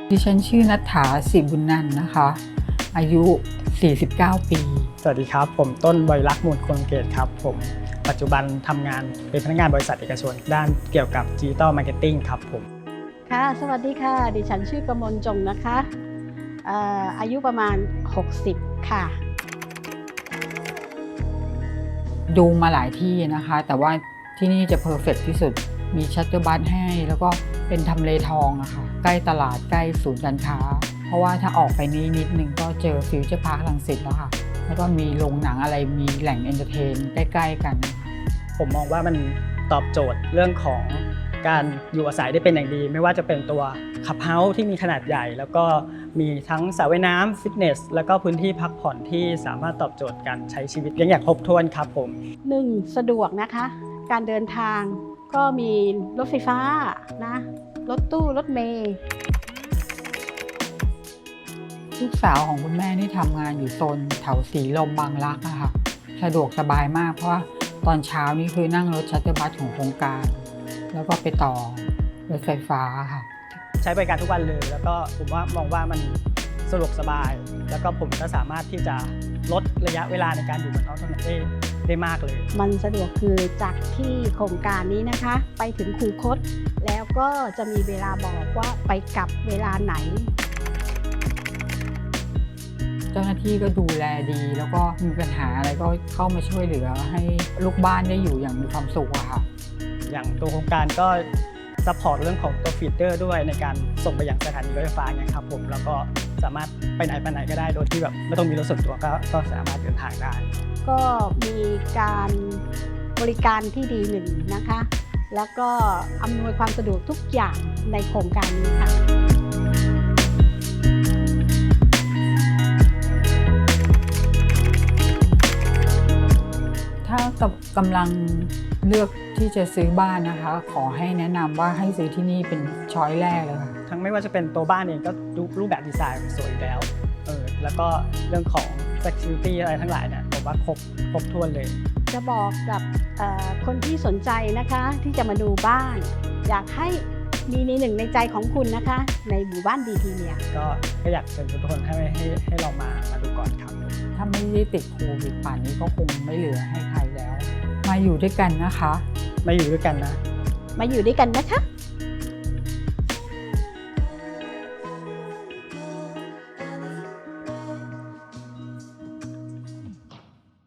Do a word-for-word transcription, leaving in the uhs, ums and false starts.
ดิฉันชื่อณัฐฐา ศิบุญนันท์นะคะ อายุ สี่สิบเก้า ปีสวัสดีครับ ผมต้นบริลักษณ์มูลคงเกตครับผมปัจจุบันทำงานเป็นพนักงานบริษัทเอกชนด้านเกี่ยวกับดิจิตอลมาร์เก็ตติ้งครับผมค่ะสวัสดีค่ะดิฉันชื่อกมลจงนะคะเอ่ออายุประมาณ หกสิบ ค่ะดูมาหลายที่นะคะ แต่ว่าที่นี่จะเพอร์เฟกต์ที่สุดมีชัตเตอร์บัสให้แล้วก็เป็นทำเลทองอะค่ะใกล้ตลาดใกล้ศูนย์การค้าเพราะว่าถ้าออกไปนี้นิดนึงก็เจอฟิวเจอร์พาร์ครังสิตแล้วค่ะแล้วก็มีโรงหนังอะไรมีแหล่งเอนเตอร์เทนใกล้ๆกันผมมองว่ามันตอบโจทย์เรื่องของการอยู่อาศัยได้เป็นอย่างดีไม่ว่าจะเป็นตัวคลับเฮาส์ที่มีขนาดใหญ่แล้วก็มีทั้งสระว่ายน้ำฟิตเนสแล้วก็พื้นที่พักผ่อนที่สามารถตอบโจทย์การใช้ชีวิตอย่างครบถ้วนครับผมหนึ่ง สะดวกนะคะการเดินทางก็มีรถไฟฟ้านะรถตู้รถเมล์ลูกสาวของคุณแม่นี่ทำงานอยู่โซนแถวสีลมบางรักอะค่ะสะดวกสบายมากเพราะว่าตอนเช้านี่คือนั่งรถชัตเตอร์บัสของโครงการแล้วก็ไปต่อรถไฟฟ้าค่ะใช้บริการทุกวันเลยแล้วก็ผมว่ามองว่ามันสะดวกสบายแล้วก็ผมก็สามารถที่จะลดระยะเวลาในการอยู่บนท้องถนนได้ได้มากเลยมันสะดวกคือจากที่โครงการนี้นะคะไปถึงคูคตแล้วก็จะมีเวลาบอกว่าไปกลับเวลาไหนเจ้าหน้าที่ก็ดูแลดีแล้วก็มีปัญหาอะไรก็เข้ามาช่วยเหลือให้ลูกบ้านได้อยู่อย่างมีความสุขอะค่ะอย่างตัวโครงการก็ซัพพอร์ตเรื่องของตัวฟีเดอร์ด้วยในการส่งไปยังสถานีรถไฟฟ้าเนี่ยครับผมแล้วก็สามารถไปไหนไปไหนก็ได้โดยที่แบบไม่ต้องมีรถส่วนตัวก็ก็สามารถเดินทางได้ก็มีการบริการที่ดีหนึ่งนะคะแล้วก็อำนวยความสะดวกทุกอย่างในโครงการนี้ค่ะถ้ากำลังเลือกที่จะซื้อบ้านนะคะขอให้แนะนำว่าให้ซื้อที่นี่เป็นช้อยแรกเลยค่ะทั้งไม่ว่าจะเป็นตัวบ้านเองก็รูปแบบดีไซน์สวยอยู่แล้วเออแล้วก็เรื่องของ security อะไรทั้งหลายเนี่ยผมว่าครบครบถ้วนเลยจะบอกกับคนที่สนใจนะคะที่จะมาดูบ้านอยากให้มีในหนึ่งในใจของคุณนะคะในหมู่บ้านดีทีเนี่ยก็ก็อยากเชิญทุกคนให้ให้ให้เรามามาดูก่อนครับถ้าไม่ได้ติดโควิดป่านนี้ก็คงไม่เหลือให้ใครแล้วมาอยู่ด้วยกันนะคะมาอยู่ด้วยกันนะมาอยู่ด้วยกันนะคะ